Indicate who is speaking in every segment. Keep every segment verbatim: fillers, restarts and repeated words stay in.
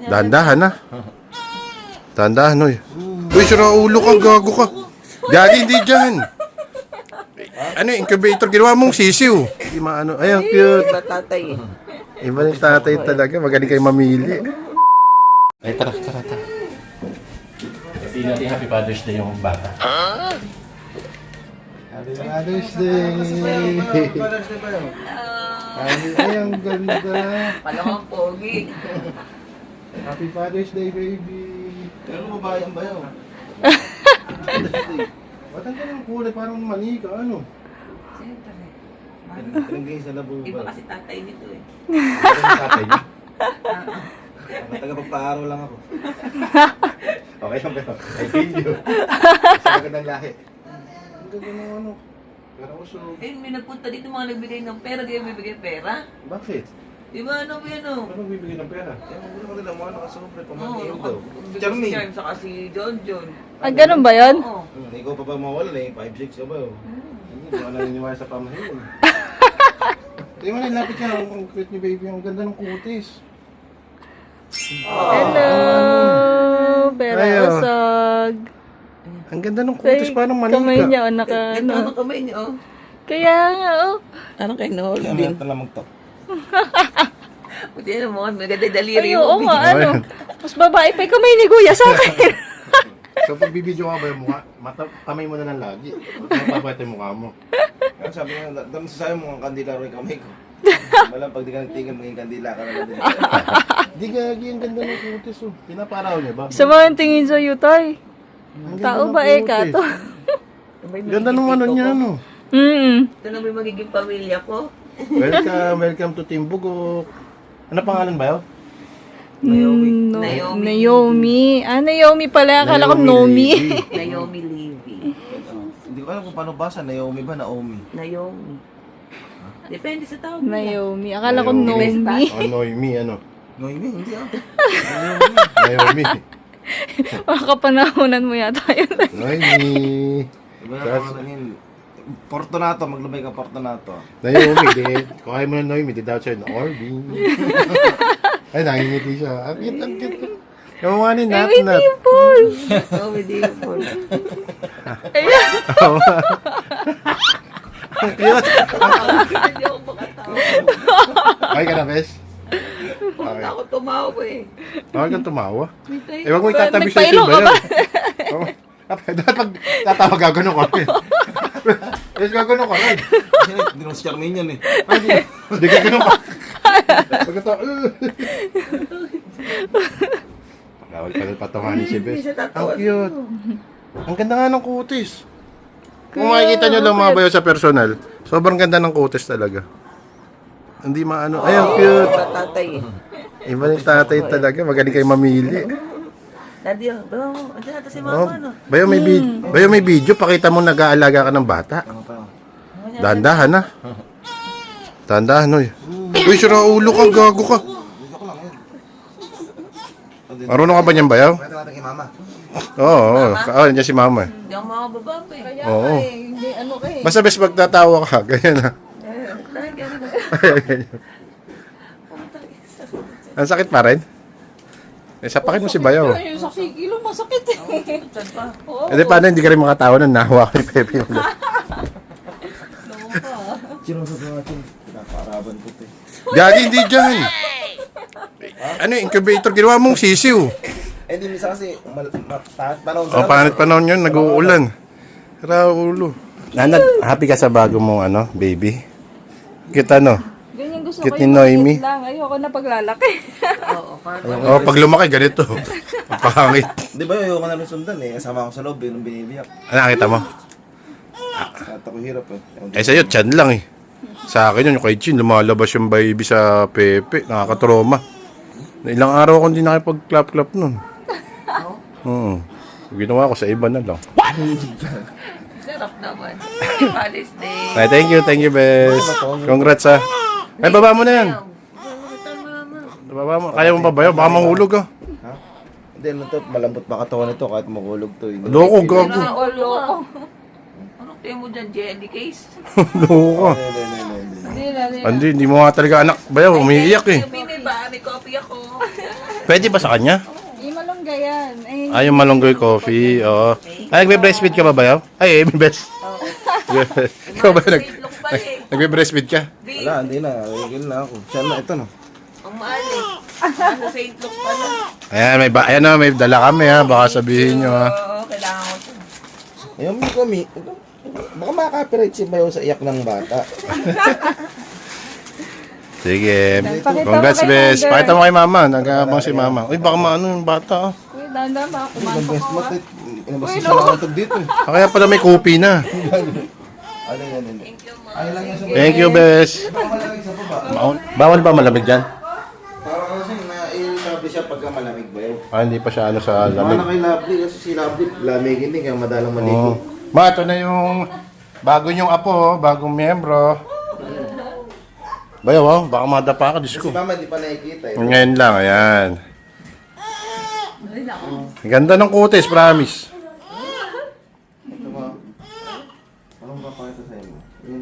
Speaker 1: Dahan-dahan na. Dahan-dahan, oy. Uy, sira ulo ka, gago ka. Gagi, hindi dyan. Ano, incubator, ginawa mong sisiw. Hindi maano, ay, ang cute.
Speaker 2: Iba tatay eh.
Speaker 1: Iba yung tatay talaga, magaling kayo mamili. Ay, tara, tara, tara. Happy natin Happy Father's Day yung bata. Happy Father's Day!
Speaker 2: Father's Day ba yun?
Speaker 1: Ay, ay, ang ganda.
Speaker 2: Palamang pogi.
Speaker 1: Happy Father's Day, baby.
Speaker 2: Pero mabayang ba yun?
Speaker 1: Ba't ang ganang kulay? Parang mani ka, ano?
Speaker 2: Siyempre.
Speaker 3: Tinanggay sa labo
Speaker 2: Iba
Speaker 3: ba?
Speaker 2: kasi tatay nito eh.
Speaker 1: Parang tatay niya.
Speaker 3: Taga-pagpaaraw lang ako. Okay lang pero. I feel you. Sa magandang lahi.
Speaker 1: Ang ganda ng ano. Pero uso.
Speaker 2: Eh, may nagpunta dito mga nagbigay ng pera. Di kayo bibigay pera?
Speaker 1: Bakit?
Speaker 2: Di ba ano ba yan o?
Speaker 1: Ano bibigyan ng pera?
Speaker 3: Eh, magulo ko rin ang mga nakasobre.
Speaker 2: Oo,
Speaker 3: Pamangkin daw.
Speaker 2: Si
Speaker 3: Charming.
Speaker 2: Charm saka si John John.
Speaker 4: Ah, ganun ba yun?
Speaker 2: Oo.
Speaker 3: Hmm, ikaw pa ba mawala eh? five six ka ba? oh?
Speaker 1: Hindi ko naniniwala sa pamahiin. Hindi mo nilapit ka. Ang cute ni baby. Ang ganda ng kutis.
Speaker 4: Hello! Pera
Speaker 1: Ayo.
Speaker 4: usog.
Speaker 1: Ang ganda ng kutis. Parang mani
Speaker 4: Kamay
Speaker 1: ka.
Speaker 4: niya, o naka,
Speaker 2: Ito ano
Speaker 4: ano.
Speaker 2: kamay niyo oh.
Speaker 4: Kaya nga, oh.
Speaker 2: Ano kayo no?
Speaker 3: Kaya
Speaker 2: Din.
Speaker 3: mayroon na lamang to.
Speaker 2: Buti na mo, maganda daliri
Speaker 4: Ay,
Speaker 2: mo.
Speaker 4: oo nga, ano. Mas babae pa yung kamay ni Kuya sa akin.
Speaker 1: So pag bibidyo ka ba yung mukha, mata, kamay mo na lang lagi. Mapapatay yung mukha mo.
Speaker 3: Kaya sabi nga, doon sa sayo mo ang kandila rin kamay ko. Malang pag di ka nagtingin, maging kandila ka na lang din.
Speaker 1: Di gagi, ang ganda ng kutis. Oh. Pinaparaw niya ba?
Speaker 4: Sa mga tingin sa'yo, Tay.
Speaker 1: Ang ganda
Speaker 4: Tao
Speaker 1: ng
Speaker 4: ba eh,
Speaker 1: kutis.
Speaker 4: kato?
Speaker 1: Ganda nung ano niya, ano.
Speaker 4: Mm.
Speaker 2: Ito na ba yung magiging pamilya ko?
Speaker 1: Welcome, welcome to Team Bugok. Ano pangalan ba yun?
Speaker 2: Naomi.
Speaker 4: Mm, no,
Speaker 2: Naomi.
Speaker 4: Naomi. Ah, Naomi pala. Akala ko Nomi.
Speaker 1: Levy.
Speaker 2: Naomi Levy.
Speaker 3: Hindi ko alam kung paano basa. Naomi ba? Naomi?
Speaker 2: Naomi. Depende sa tao.
Speaker 4: Naomi. Akala ko
Speaker 1: Naomi.
Speaker 4: Nomi.
Speaker 1: Oh, Noemi, ano?
Speaker 3: Noemi? Hindi ah.
Speaker 1: Naomi.
Speaker 4: Makakapanahonan mo yata yun.
Speaker 1: Noemi.
Speaker 3: Iba na
Speaker 1: That's-
Speaker 3: pangalan yun. Fortunato, maglumay ka Fortunato.
Speaker 1: Naomi, di. Kung ayaw mo na Noemi, di daw siya, Orby. Ay, nangingiti siya. Ang cute, ang cute. Yung mga ni Nat
Speaker 4: May
Speaker 1: Nat.
Speaker 4: dimple.
Speaker 2: Naomi Dimple.
Speaker 4: Ayan.
Speaker 1: Oo. Ang cute.
Speaker 2: Hindi ako makatawa.
Speaker 1: Okay ka na, Bes?
Speaker 2: Huwag ako tumawa eh.
Speaker 1: Okay kang tumawa.
Speaker 2: May tayo.
Speaker 1: Eh, wag mo itatabi sa
Speaker 4: Nagpailong
Speaker 1: iba
Speaker 4: ka
Speaker 1: yun.
Speaker 4: ba?
Speaker 1: Oo. Dapat pag tatawag gagano ka rin. Yes, gagano ka rin.
Speaker 3: Hindi naman si Charmaine yan eh.
Speaker 1: Hindi gagano ka. Pagkata, Gawal pa rin patawanin si Bes. Ang cute. Ang ganda nga ng kutis. Kung makikita nyo lang mga bayo sa personal, sobrang ganda ng kutis talaga. Hindi maano. Ay, ang cute.
Speaker 2: Iba tatay eh.
Speaker 1: Iba yung tatay talaga. Magaling kayo mamili.
Speaker 2: Daddy, oh, bawa mo. Andiyan natin si
Speaker 1: Oh,
Speaker 2: mama, no?
Speaker 1: bayo may, vid- bayo may video. Pakita mo nag-aalaga ka ng bata.
Speaker 3: Ano pa?
Speaker 1: Dahan-dahan na. Dahan-dahan, oy. Uy, sira ulo ka, gago ka.
Speaker 3: Joke lang yun.
Speaker 1: Marunong ka ba niyan bayaw?
Speaker 3: Pwede natin kay mama.
Speaker 1: Oo, oo. Oo, nandiyan si mama. eh.
Speaker 2: Hindi ako makababa eh.
Speaker 4: Kaya
Speaker 1: Oo.
Speaker 4: nga eh, hindi ano ka eh.
Speaker 1: Basta bes magtatawa ka, ganyan na.
Speaker 2: Eh, dahil ganun.
Speaker 1: Ang sakit pa rin. Eh, sapakin mo si bayaw.
Speaker 4: Yung sa sigilo, masakit eh.
Speaker 2: Saan pa?
Speaker 4: Oo.
Speaker 1: Eh, di paano hindi ka rin makatawa na nahawa ko ni Pepe ulit.
Speaker 3: Sino sa mga chin? Pinaparaban ko ito eh.
Speaker 1: Gagi, hindi dyan. Ano, incubator, ginawa mong sisiw.
Speaker 3: Eh, di minsan kasi, mal- ma- pa- panahon
Speaker 1: O, panit panahon yun, nag-uulan. Sira ulo. Nanad, happy ka sa bago mong ano, baby? Kita no?
Speaker 4: Ganyan gusto
Speaker 1: Cute
Speaker 4: ko
Speaker 1: ni
Speaker 4: yung
Speaker 1: Noemi.
Speaker 4: maliit lang. Ayoko na paglalaki.
Speaker 2: Oo, parang
Speaker 1: O, pag lumaki, ganito. Ang pangit.
Speaker 3: Di ba yung ka namin sundan eh? Kasama ko sa loob eh, nung binibiyak.
Speaker 1: Ano, nakita mo?
Speaker 3: At ako hirap eh.
Speaker 1: Eh, sa'yo, chan lang eh. Sa akin yun, yung kay Chin, lumalabas yung baby sa Pepe. Nakakatroma. Ilang araw akong hindi nakipag-clap-clap nun. Oo. Ginawa ko sa iba na lang.
Speaker 2: sarap naman. Happy Father's Day.
Speaker 1: Ay, thank you, thank you, Bes. Congrats ha. Ay, baba mo na yan. Baba mo. Kaya mo ba ba yun? Baka mahulog ka.
Speaker 3: Ha? Hindi, ano to, malambot ba katawan nito kahit makulog to. eh.
Speaker 1: Loko, gago.
Speaker 4: Oo, loko.
Speaker 2: Anong tayo mo dyan, jelly case?
Speaker 1: Loko ka.
Speaker 3: Hindi, hindi, hindi, hindi.
Speaker 4: Hindi na, hindi na.
Speaker 1: Hindi, hindi mo nga talaga anak. Bayaw, umiiyak eh.
Speaker 2: May ba? May copy ako.
Speaker 1: Pwede ba sa kanya?
Speaker 4: Yung malunggay yan. Eh,
Speaker 1: Ay, yung malunggoy coffee. Oo. Ay, nagbe-breastfeed ka ba ba yaw? Ay, eh, best. Ikaw ba nag...
Speaker 2: Saint Luke pala eh.
Speaker 1: Nagbe-breastfeed ka?
Speaker 2: Di,
Speaker 3: Wala, hindi na. Rigil na ako. Siya na, ito no.
Speaker 2: ang mahal eh. Ano, Saint Luke pala.
Speaker 1: Ayan, may, ba ayan na, may dala kami ha. Baka sabihin nyo ha.
Speaker 2: Oo, kailangan ko ito.
Speaker 3: Ayun, may kami. Baka makaka-copyright si Bayo sa iyak ng bata.
Speaker 1: Sige.
Speaker 4: Pakita mo
Speaker 1: Congrats,
Speaker 4: kay
Speaker 1: best.
Speaker 4: Mother.
Speaker 1: Pakita mo kay mama. Nagkakabang si mama. Uy, baka maano yung bata. Oh.
Speaker 4: Uy, dahan-dahan baka
Speaker 3: Ang
Speaker 4: kumantok
Speaker 3: best
Speaker 4: ko.
Speaker 3: mat. Inabas sa nakatag dito eh.
Speaker 1: Ah, kaya pala may kopi na.
Speaker 3: Ano yan, ano. Ay lang yan sa
Speaker 1: Thank you, best.
Speaker 3: Baka malamig sa baba.
Speaker 1: Maun- Bawal ba malamig dyan?
Speaker 3: Para kasi na-lovely siya pagka malamig Bayo.
Speaker 1: Ah, hindi pa siya ano sa
Speaker 3: Baka
Speaker 1: lamig.
Speaker 3: na kay Lovely kasi si Lovely lamigin din kaya madalang maligo.
Speaker 1: Oo. Ma, ito na yung bago yung apo, oh, bagong miyembro. Bayaw, oh, baka madapa ka, Diyos
Speaker 3: Si
Speaker 1: ko.
Speaker 3: Mama di pa nakikita eh.
Speaker 1: Ngayon lang, ayan. Ang ganda ng kutis, promise.
Speaker 3: Ito mo. Anong papakita sa inyo? Yun.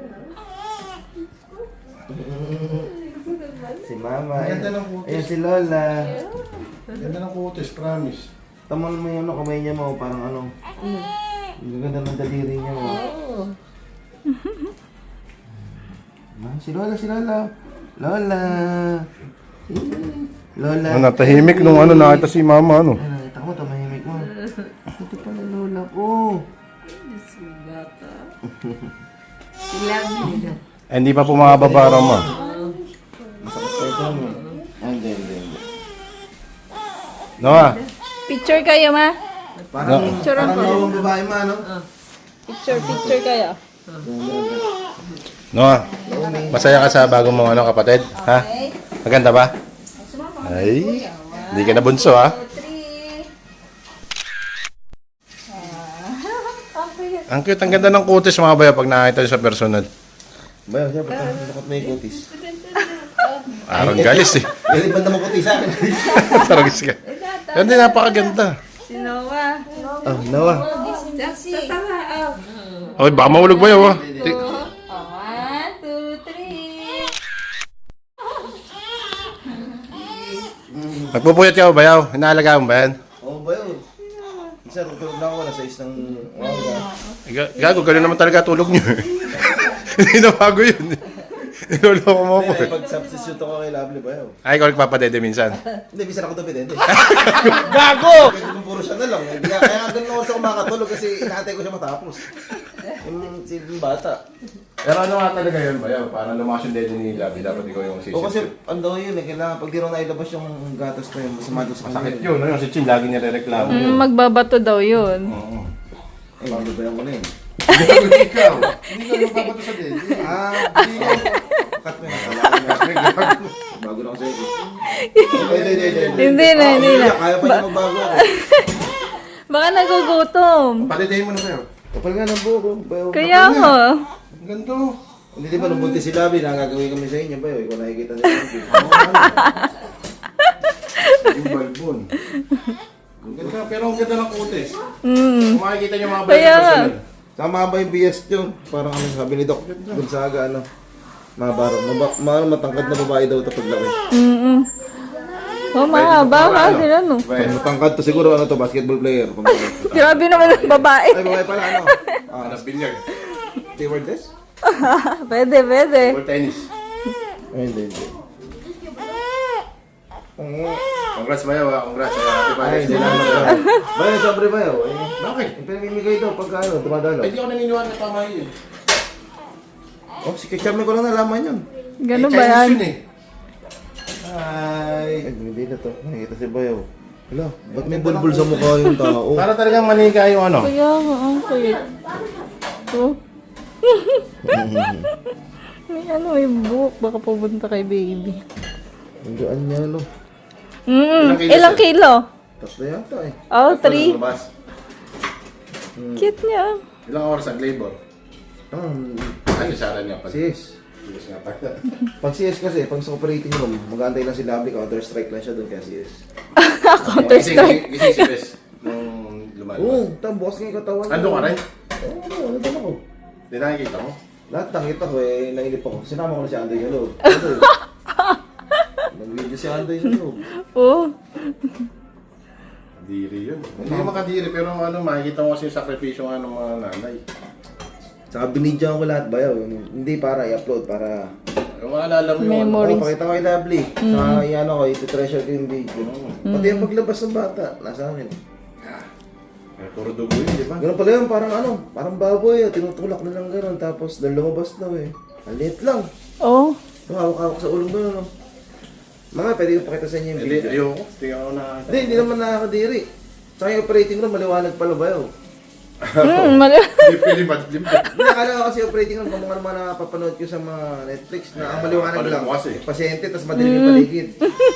Speaker 3: Si Mama.
Speaker 1: Ang ganda ng kutis.
Speaker 3: Ayan si Lola.
Speaker 1: Ganda ng kutis, promise.
Speaker 3: Taman mo yung ano, kamay niya mo, parang ano. Ang ganda ng daliri niya mo. Ah, si Lola, si Lola. Lola. Lola.
Speaker 1: Ano, natahimik nung ano, nakita si mama, ano.
Speaker 3: Ay, nakita mo, tumahimik mo. Ito pala Lola ko.
Speaker 1: Eh, hindi pa pumababara mo.
Speaker 3: Masakit pa ito mo. Ay, hindi, hindi, hindi.
Speaker 1: Noah,
Speaker 4: Picture kayo, ma?
Speaker 3: Parang,
Speaker 4: Picture
Speaker 3: parang
Speaker 4: ako.
Speaker 3: nawang babae ma, no?
Speaker 4: Picture, picture kayo.
Speaker 1: Noah, masaya ka sa bagong mong ano, kapatid? Ha? Maganda ba? Ay, hindi ka na bunso, ha? Ang cute, ang ganda ng kutis mga bayo pag nakita nyo sa personal.
Speaker 3: Bayo, siya, ba't nakot may kutis?
Speaker 1: Parang galis eh.
Speaker 3: Galing banda mo kutis sa akin.
Speaker 1: Taragis ka. Yan din, napakaganda.
Speaker 4: Si Noah.
Speaker 3: Oh, Noah.
Speaker 1: Oy, baka mahulog ba yun, ha? Ti-
Speaker 4: One, two, three.
Speaker 1: Magpupuyat ka ba bayaw? Inaalagaan mo ba yan?
Speaker 3: Oh, Bayo. Minsan, tutulog na ako na sa isang umaga.
Speaker 1: Ga- Gago, gano'n naman talaga tulog nyo. Hindi na bago yun. Niloloko mo ako
Speaker 3: Hindi,
Speaker 1: eh.
Speaker 3: pag substitute ako kay Lovely, Bayo.
Speaker 1: Ay, ikaw nagpapadede minsan.
Speaker 3: Hindi, minsan ako dupit, hindi.
Speaker 1: Gago!
Speaker 3: Pwede kung puro siya na lang. Hindi nga- Kaya nga ganun ako sa kumakatulog kasi inaantay ko siya matapos. Yung si yung bata.
Speaker 1: Pero ano nga talaga yun, bayaw? Parang lumakas yung dede ni Labi. Dapat ikaw yung
Speaker 3: O kasi,
Speaker 1: sisip.
Speaker 3: ano daw yun eh, kailangan pag di raw nailabas yung gatas ko yun, masama daw sa kanya.
Speaker 1: Sakit yun, no? Yung si Chin, lagi niya re-reklamo yun.
Speaker 4: Mm, magbabato daw yun.
Speaker 1: Oo.
Speaker 3: Eh, malubayan ko na yun.
Speaker 1: Gago, ikaw. Hindi ka magpapato sa dede.
Speaker 3: Ah, hindi ko. Cut mo na. Bago na ako sa'yo. Hindi, hindi, hindi.
Speaker 4: Hindi na, hindi na.
Speaker 3: Kaya pa niya magbago ako.
Speaker 4: Baka nagugutom.
Speaker 1: Palidehin mo na bayaw.
Speaker 3: Kapal nga ng buko. Bayo.
Speaker 4: Kaya mo.
Speaker 1: Ang ganda.
Speaker 3: Hindi di ba nung buntis si Labi, nakagawin kami sa inyo ba yun? Ikaw nakikita niya.
Speaker 1: Yung balbon. Ang ganda, pero ang ganda ng kutis.
Speaker 4: Mm.
Speaker 1: Kung makikita niyo mga
Speaker 4: Kaya
Speaker 1: bayaw
Speaker 4: nga.
Speaker 1: personal.
Speaker 3: Tama ba yung B S yun? Parang ano sabi ni Doc Gonzaga, ano? Mabaro. Maba, ma- matangkad na babae daw ito paglaki.
Speaker 4: Mm-mm. Oh, mahaba ka din ano.
Speaker 3: Pag matangkad to siguro ano to, basketball player. Pag matangkad.
Speaker 4: Grabe naman ang babae.
Speaker 3: Ay, babae pala ano? Ah,
Speaker 1: Ano, bilyag.
Speaker 3: stewardess?
Speaker 4: Pwede, pwede.
Speaker 1: Or tennis.
Speaker 3: Ay, hindi, hindi.
Speaker 1: Congrats bayaw, ha? Congrats. Happy
Speaker 3: Ay,
Speaker 1: Father's
Speaker 3: hindi
Speaker 1: Day.
Speaker 3: lang na. Bayo, sobre bayo. Eh,
Speaker 1: Bakit?
Speaker 3: yung pinamimigay daw pagka ano, dumadalo.
Speaker 1: Ay, di ako naniniwala na tama yun.
Speaker 3: Oh, si Kacharme ko lang nalaman yun.
Speaker 4: Ganun
Speaker 1: Eh,
Speaker 4: ba
Speaker 1: Chinese
Speaker 4: yan?
Speaker 1: yun eh.
Speaker 3: Ay, ay, hindi na to. Nakikita si bayo. Hala, ba't may bulbul sa mukha yung tao?
Speaker 1: Para talagang manika yung ano.
Speaker 4: Kaya nga, ang kuya. Oh. May ano, may buhok. Baka pupunta kay baby.
Speaker 3: Nandiyan niya, no?
Speaker 4: Mm,
Speaker 1: Ilang kilos
Speaker 4: ilang
Speaker 1: eh?
Speaker 4: kilo?
Speaker 3: Tapos na yata eh.
Speaker 4: Oh,
Speaker 1: Tapos
Speaker 4: three.
Speaker 1: lumabas.
Speaker 4: Cute niya.
Speaker 1: Ilang oras ang labor?
Speaker 3: Um,
Speaker 1: Ay, isaran niya pala.
Speaker 3: sis.
Speaker 1: Yes nga pala.
Speaker 3: Pag C S kasi, pag sa operating room, mag-aantay lang si Lovely, counter-strike lang siya doon kaya C S.
Speaker 4: Counter strike.
Speaker 1: Gising si Bes nung lumalabas.
Speaker 3: Oo, tam, bukas nga yung katawan.
Speaker 1: Ando ka rin?
Speaker 3: Oo, oo, nandun ako.
Speaker 1: Hindi nakikita mo?
Speaker 3: Lahat nakita ko eh, nainip ako. Sinama ko na si Andre yung loob. Ano eh? Nag-video Medyo si Andoy sa loob.
Speaker 4: Oo.
Speaker 1: Diri yun. Hindi makadiri, pero ano, makikita mo kasi yung sakripisyo nga ng mga nanay.
Speaker 3: Tsaka binidyoan ko lahat bayaw. Hindi para i-upload, para...
Speaker 1: Yung maalala mo yung...
Speaker 4: Memories.
Speaker 3: Oh, pakita ko kay Lovely. Sa yan ako, iti-treasure ko yung video. Pati yung paglabas ng bata, nasa akin.
Speaker 1: Eh, puro dugo yun, di ba?
Speaker 3: Ganun pala yun, parang ano, parang baboy, oh, tinutulak na lang gano'n. Tapos, nang lumabas daw eh. Ang liit lang.
Speaker 4: Oo.
Speaker 3: Yung hawak-hawak sa ulong gano'n, no? Mga, pwede ko pakita sa inyo yung
Speaker 1: Hindi,
Speaker 3: video.
Speaker 1: ayoko. Tingnan ko na.
Speaker 3: Hindi, hindi naman nakakadiri. Tsaka yung operating room, maliwanag pala ba yun?
Speaker 4: Hmm, mali.
Speaker 1: Hindi, pwede ba? Hindi,
Speaker 3: Hindi, akala ko kasi operating room, kung mga naman napapanood ko sa mga Netflix na ang maliwanag
Speaker 1: Napanood
Speaker 3: lang.
Speaker 1: mo kasi.
Speaker 3: Pasyente, tapos madilim yung paligid.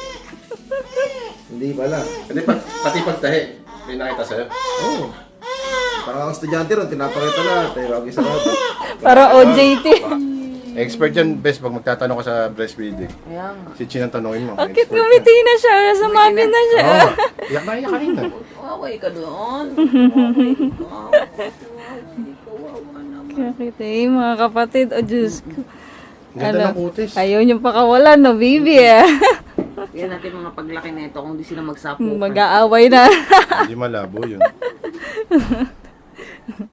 Speaker 3: Hindi pala.
Speaker 1: Hindi, pat- pati pagtahi. May nakita sa'yo.
Speaker 3: Oo. Oh. Parang ang estudyante ron, tinapakita lahat. Eh, wag isa rato.
Speaker 4: Para O J T.
Speaker 1: Expert yan, best, pag magtatanong ka sa breastfeeding.
Speaker 2: Kaya nga.
Speaker 1: Si Chin ang tanongin mo.
Speaker 4: Bakit ngumiti na siya? Nasa mami na siya.
Speaker 1: Oo. Iyak na iyak kanina.
Speaker 2: Away ka doon. Away ka. Kawawa naman.
Speaker 4: Bakit eh, mga kapatid. O Diyos ko.
Speaker 1: Ganda ng kutis.
Speaker 4: Ayaw niyong pakawalan, no, baby eh.
Speaker 2: Yan natin mga paglaki na ito kung di sila magsapukan.
Speaker 4: Mag-aaway na.
Speaker 1: Hindi malabo yun.